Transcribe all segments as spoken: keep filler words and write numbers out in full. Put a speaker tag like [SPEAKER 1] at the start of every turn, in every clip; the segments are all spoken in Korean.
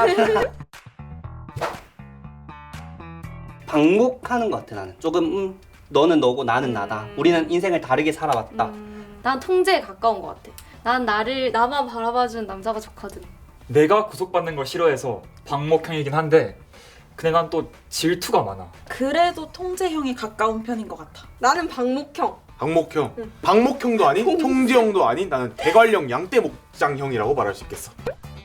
[SPEAKER 1] 방목하는 것 같아 나는. 조금 음, 너는 너고 나는 음. 나다. 우리는 인생을 다르게 살아왔다.
[SPEAKER 2] 음, 난 통제에 가까운 것 같아. 난 나를 나만 바라봐주는 남자가 좋거든.
[SPEAKER 3] 내가 구속받는 걸 싫어해서 방목형이긴 한데 근데 난 또 질투가 많아.
[SPEAKER 4] 그래도 통제형에 가까운 편인 것 같아.
[SPEAKER 5] 나는 방목형.
[SPEAKER 6] 방목형. 응. 방목형도 아닌 통제형도 아닌 나는 대관령 양떼 목장형이라고 말할 수 있겠어.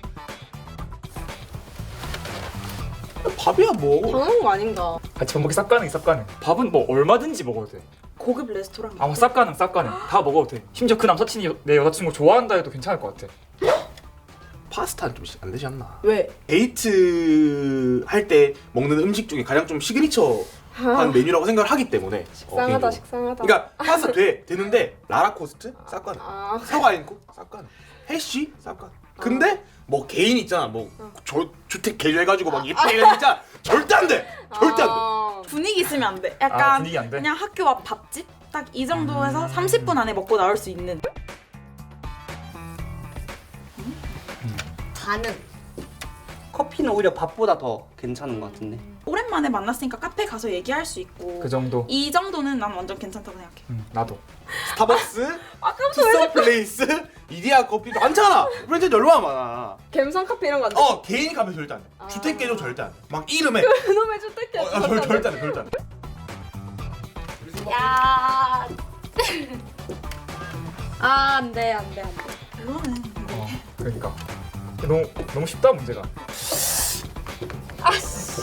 [SPEAKER 6] 밥이야 뭐.
[SPEAKER 5] 당연한 거 아닌가.
[SPEAKER 3] 같이 밥 먹기 쌉 가능 쌉 가능. 밥은 뭐 얼마든지 먹어도 돼.
[SPEAKER 4] 고급 레스토랑.
[SPEAKER 3] 아마 쌉 가능 쌉 가능. 다 먹어도 돼. 심지어 그 남사친이 여- 내 여자친구 좋아한다 해도 괜찮을 것 같아.
[SPEAKER 6] 파스타는 좀 안 되지 않나?
[SPEAKER 5] 왜?
[SPEAKER 6] 데이트 할 때 먹는 음식 중에 가장 좀 시그니처한 메뉴라고 생각을 하기 때문에.
[SPEAKER 5] 식상하다
[SPEAKER 6] 어,
[SPEAKER 5] 식상하다.
[SPEAKER 6] 그러니까 파스타 돼 되는데 라라코스트 쌉 가능.
[SPEAKER 5] 아.
[SPEAKER 6] 사과인코 쌉 가능. 해쉬 쌉 가능. 근데 뭐 개인 있잖아 뭐 저, 주택 개조해가지고 막 예쁘게 해야 진짜 절대 안 돼. 절대 안 돼.
[SPEAKER 5] 아.
[SPEAKER 4] 분위기 있으면 안 돼.
[SPEAKER 3] 아,
[SPEAKER 4] 약간
[SPEAKER 3] 분위기 안 돼?
[SPEAKER 4] 그냥 학교 앞 밥집 딱 이 정도에서
[SPEAKER 3] 음.
[SPEAKER 4] 삼십 분 안에 먹고 나올 수 있는.
[SPEAKER 2] 가능.
[SPEAKER 1] 커피는 오히려 밥보다 더 괜찮은 것 같은데.
[SPEAKER 4] 오랜만에 만났으니까 카페 가서 얘기할 수 있고.
[SPEAKER 3] 그 정도.
[SPEAKER 4] 이 정도는 난 완전 괜찮다고 생각해.
[SPEAKER 3] 음, 나도.
[SPEAKER 6] 스타벅스, 투썸 플레이스, 이디야 커피도 많잖아. 브랜드 얼마나 많아.
[SPEAKER 5] 갬성 카페 이런 거 안 돼.
[SPEAKER 6] 어 개인 카페 절대 안 돼.
[SPEAKER 5] 아.
[SPEAKER 6] 주택 개조 절대 안 돼. 막 이름에
[SPEAKER 5] 그놈의 주택이야.
[SPEAKER 6] 어, 어, 절, 절대 안 돼. 절대 안 돼.
[SPEAKER 2] 야. 아, 안 돼, 안 돼, 안 돼.
[SPEAKER 4] 그거는
[SPEAKER 3] 어, 그러니까 너무 너무 쉽다 문제가.
[SPEAKER 2] 아씨.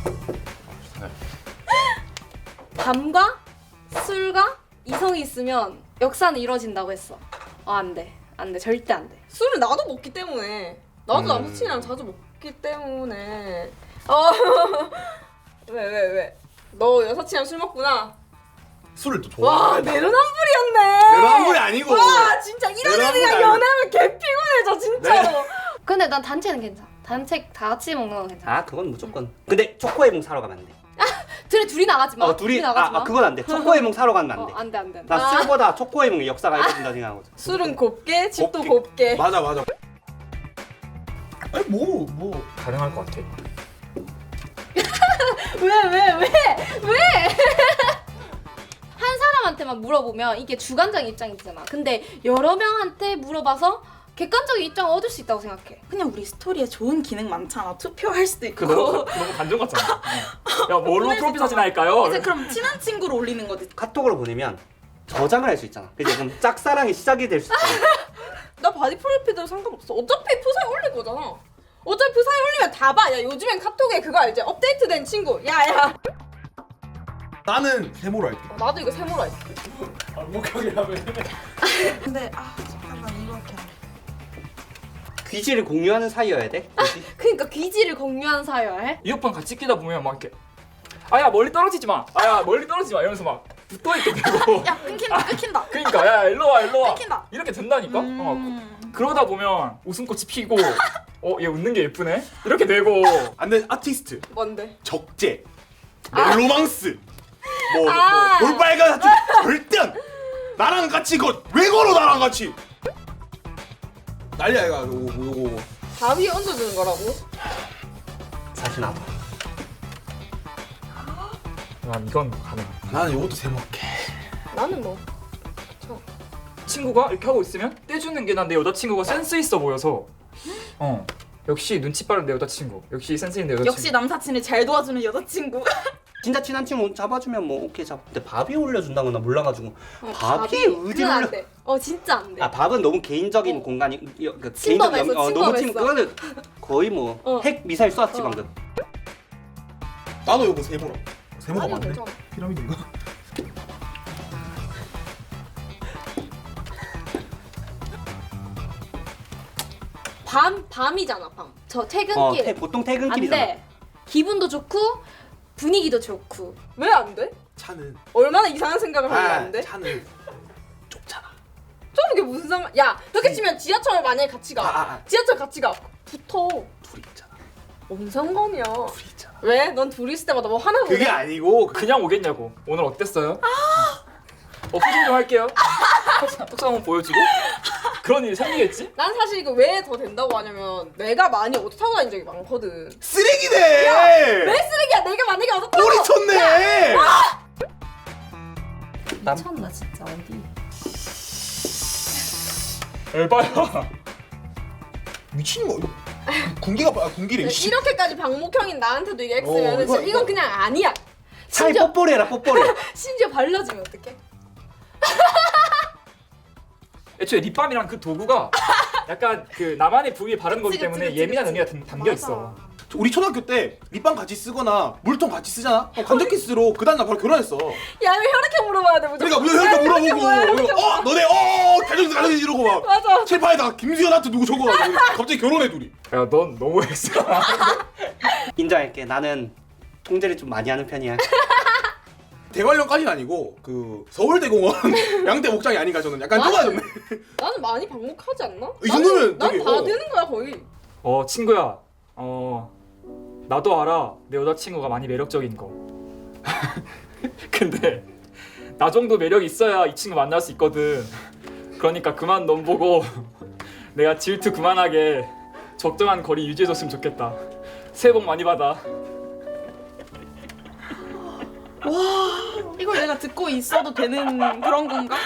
[SPEAKER 2] 밤과 술과 이성이 있으면 역사는 이루어진다고 했어. 어, 안 돼, 안 돼, 절대 안 돼.
[SPEAKER 5] 술을 나도 먹기 때문에. 나도
[SPEAKER 6] 음.
[SPEAKER 5] 남친이랑 자주 먹기 때문에. 어. 왜 왜 왜? 너 여사친이랑 술 먹구나.
[SPEAKER 6] 술을 또
[SPEAKER 5] 와
[SPEAKER 6] 좋아해.
[SPEAKER 5] 내로남불이었네.
[SPEAKER 6] 내로남불이 아니고.
[SPEAKER 5] 와 진짜 이런
[SPEAKER 6] 내로남불이
[SPEAKER 5] 애들이랑
[SPEAKER 6] 아니고.
[SPEAKER 5] 연애하면 개 피곤해져 진짜로.
[SPEAKER 2] 근데 난 단체는 괜찮아. 단체 다 같이 먹는 건 괜찮아.
[SPEAKER 1] 아 그건 무조건. 근데 초코에몽 사러 가면 안 돼.
[SPEAKER 2] 둘이 둘이 나가지 마.
[SPEAKER 1] 어 둘이 아,
[SPEAKER 2] 나가지 마.
[SPEAKER 1] 아 그건 안 돼. 초코에몽 사러 가면 안
[SPEAKER 2] 어,
[SPEAKER 1] 돼.
[SPEAKER 2] 안 돼, 안 돼. 안 돼.
[SPEAKER 1] 나
[SPEAKER 2] 아,
[SPEAKER 1] 술보다 초코에몽의 역사가 이어진다 생각하거든.
[SPEAKER 5] 술은 곱게 집도
[SPEAKER 6] 곱게.
[SPEAKER 5] 곱게.
[SPEAKER 6] 맞아 맞아. 아니 뭐 뭐.
[SPEAKER 3] 가능할 것 같아.
[SPEAKER 2] 왜, 왜, 왜, 왜? 한 사람한테만 물어보면 이게 주관적인 입장이잖아. 근데 여러 명한테 물어봐서 객관적인 입장을 얻을 수 있다고 생각해.
[SPEAKER 4] 그냥 우리 스토리에 좋은 기능 많잖아. 투표할 수도 있고.
[SPEAKER 3] 그 너무 그 너무 단정 같잖아. 어. 야 뭘로
[SPEAKER 4] 보낼 수
[SPEAKER 3] 프로필 사진
[SPEAKER 4] 있잖아.
[SPEAKER 3] 할까요?
[SPEAKER 4] 이제 그럼 친한 친구로 올리는 거지.
[SPEAKER 1] 카톡으로 보내면 저장을 할 수 있잖아. 그래서 그럼 짝사랑이 시작이 될 수 있잖아.
[SPEAKER 5] 나 바디 프로필도 상관없어. 어차피 프사에 올릴 거잖아. 어차피 프사에 올리면 다 봐. 야 요즘엔 카톡에 그거 알지? 업데이트된 친구. 야야.
[SPEAKER 6] 나는 세모로 할게.
[SPEAKER 5] 어, 나도 이거 세모로 할게.
[SPEAKER 4] 근데 아 잠깐만 이렇게.
[SPEAKER 1] 귀지를 공유하는 사이여야 돼. 굳이?
[SPEAKER 2] 그러니까 귀지를 공유한 사이여야 해?
[SPEAKER 3] 이어폰 같이 끼다 보면 막 이렇게 아야 멀리 떨어지지 마. 아야 멀리 떨어지지 마. 이러면서 막 붙어 있게 되고.
[SPEAKER 4] 야 끊긴다 끊긴다.
[SPEAKER 3] 그러니까 야 일로 와 일로 와.
[SPEAKER 4] 끊긴다.
[SPEAKER 3] 이렇게 된다니까. 어,
[SPEAKER 4] 음.
[SPEAKER 3] 그러다 보면 웃음꽃이 피고 어 얘 웃는 게 예쁘네. 이렇게 되고.
[SPEAKER 6] 안돼 아티스트,
[SPEAKER 5] 뭔데?
[SPEAKER 6] 적재, 멜로망스, 뭐,
[SPEAKER 5] 아.
[SPEAKER 6] 뭐 볼빨간 사춘 절대 안. 나랑 같이 거 왜 걸어 나랑 같이. 난리야 이거 요거 요거.
[SPEAKER 5] 다 위에 얹어주는 거라고?
[SPEAKER 1] 사실 나도.
[SPEAKER 3] 난 이건 가능.
[SPEAKER 6] 나는 요것도 세모 할게.
[SPEAKER 5] 나는 뭐.
[SPEAKER 3] 친구가 이렇게 하고 있으면 떼주는 게 난 내 여자친구가 센스 있어 보여서 어 역시 눈치 빠른 내 여자친구 역시 센스 있는 내 여자친구.
[SPEAKER 4] 역시 남사친을 잘 도와주는 여자친구.
[SPEAKER 1] 진짜 친한 친구 잡아주면 뭐 오케이 잡. 근데 밥이 올려준다는 건 나 몰라가지고.
[SPEAKER 5] 어,
[SPEAKER 1] 밥이 어디
[SPEAKER 5] 그건 안
[SPEAKER 1] 올려?
[SPEAKER 5] 돼. 어 진짜 안 돼.
[SPEAKER 1] 아 밥은 너무 개인적인
[SPEAKER 5] 어.
[SPEAKER 1] 공간이 이- 그
[SPEAKER 5] 침범했어,
[SPEAKER 1] 개인적인 어, 너무 침
[SPEAKER 5] 침범했어.
[SPEAKER 1] 그거는 거의 뭐
[SPEAKER 5] 어.
[SPEAKER 1] 핵 미사일 쏘았지
[SPEAKER 5] 어.
[SPEAKER 1] 방금.
[SPEAKER 6] 나도 요거 세모로. 세모가
[SPEAKER 5] 아니,
[SPEAKER 6] 맞네.
[SPEAKER 5] 괜찮아.
[SPEAKER 6] 피라미드인가?
[SPEAKER 2] 밤 밤이잖아 밤. 저
[SPEAKER 1] 어
[SPEAKER 2] 퇴근길.
[SPEAKER 1] 퇴, 보통
[SPEAKER 2] 안
[SPEAKER 1] 퇴근길이잖아.
[SPEAKER 2] 돼. 기분도 좋고 분위기도 좋고.
[SPEAKER 5] 왜 안 돼?
[SPEAKER 6] 차는
[SPEAKER 5] 얼마나 이상한 생각을 하면 안 돼?
[SPEAKER 6] 차는 좁잖아.
[SPEAKER 5] 저는 게 무슨 상관? 야 그렇게 치면 지하철 만약에 같이 가.
[SPEAKER 6] 아, 아, 아.
[SPEAKER 5] 지하철 같이 가. 붙어.
[SPEAKER 6] 둘이 있잖아.
[SPEAKER 5] 뭔 상관이야?
[SPEAKER 6] 둘이 있잖아.
[SPEAKER 5] 왜? 넌 둘이 있을 때마다 뭐 하나 보내?
[SPEAKER 6] 그게 아니고 그
[SPEAKER 3] 그냥 오겠냐고. 오늘 어땠어요? 어 표정 좀 할게요. 톡상 한번 보여주고. 그런 일이 생기겠지?
[SPEAKER 5] 난 사실 이거 왜 더 된다고 하냐면 내가 많이 오토 타고 다닌 적이 많거든.
[SPEAKER 6] 쓰레기네.
[SPEAKER 5] 왜 쓰레기야? 내가 만약에 오토 타고
[SPEAKER 6] 꼬리 쳤네.
[SPEAKER 2] 미쳤나 진짜 어디?
[SPEAKER 3] 에바야.
[SPEAKER 6] 미친 거. 군기가 아, 군기래. 씨.
[SPEAKER 5] 이렇게까지 방목형인 나한테도 이게
[SPEAKER 6] 어,
[SPEAKER 5] X면
[SPEAKER 6] 이거-
[SPEAKER 5] 이건
[SPEAKER 6] 이거-
[SPEAKER 5] 그냥 아니야.
[SPEAKER 1] 차라리
[SPEAKER 5] 심지어
[SPEAKER 1] 뽀뽀리 해라 뽀뽀리.
[SPEAKER 5] 심지어 발라주면 어떡해?
[SPEAKER 3] 애초에 립밤이란 그 도구가 약간 그 나만의 부위에 바르는 거기
[SPEAKER 5] 그치,
[SPEAKER 3] 때문에
[SPEAKER 5] 그치,
[SPEAKER 3] 예민한
[SPEAKER 5] 그치.
[SPEAKER 3] 의미가 담- 담겨
[SPEAKER 5] 맞아.
[SPEAKER 3] 있어.
[SPEAKER 6] 우리 초등학교 때 립밤 같이 쓰거나 물통 같이 쓰잖아. 어, 간접 키스로 그 다음 날 바로 결혼했어.
[SPEAKER 5] 야 왜 혈액형 물어봐야 돼 무조건.
[SPEAKER 6] 그러니까 뭐 이렇게
[SPEAKER 5] 혈액형 뭐야,
[SPEAKER 6] 물어보고
[SPEAKER 5] 혈액형
[SPEAKER 6] 어 너네 어 가정에서 가정에서 이러고 막
[SPEAKER 5] 맞아.
[SPEAKER 6] 칠판에다가 김수현한테 누구 적어가지고 갑자기 결혼해 둘이.
[SPEAKER 3] 야, 넌 너무 X야.
[SPEAKER 1] 인정할게. 나는 통제를 좀 많이 하는 편이야.
[SPEAKER 6] 대관령까지는 아니고 그 서울대공원 양대 목장이 아닌가 저는 약간
[SPEAKER 5] 맞아.
[SPEAKER 6] 좁아졌네.
[SPEAKER 5] 나는 많이 방목하지 않나?
[SPEAKER 6] 이 정도면 되게,
[SPEAKER 5] 난다
[SPEAKER 6] 어.
[SPEAKER 5] 되는 거야 거의.
[SPEAKER 3] 어, 친구야. 어, 나도 알아. 내 여자친구가 많이 매력적인 거. 근데 나 정도 매력 있어야 이 친구 만날 수 있거든. 그러니까 그만 넌 보고 내가 질투 그만하게 적정한 거리 유지해줬으면 좋겠다. 새해 복 많이 받아.
[SPEAKER 4] 이걸 내가 듣고 있어도 되는 그런 건가?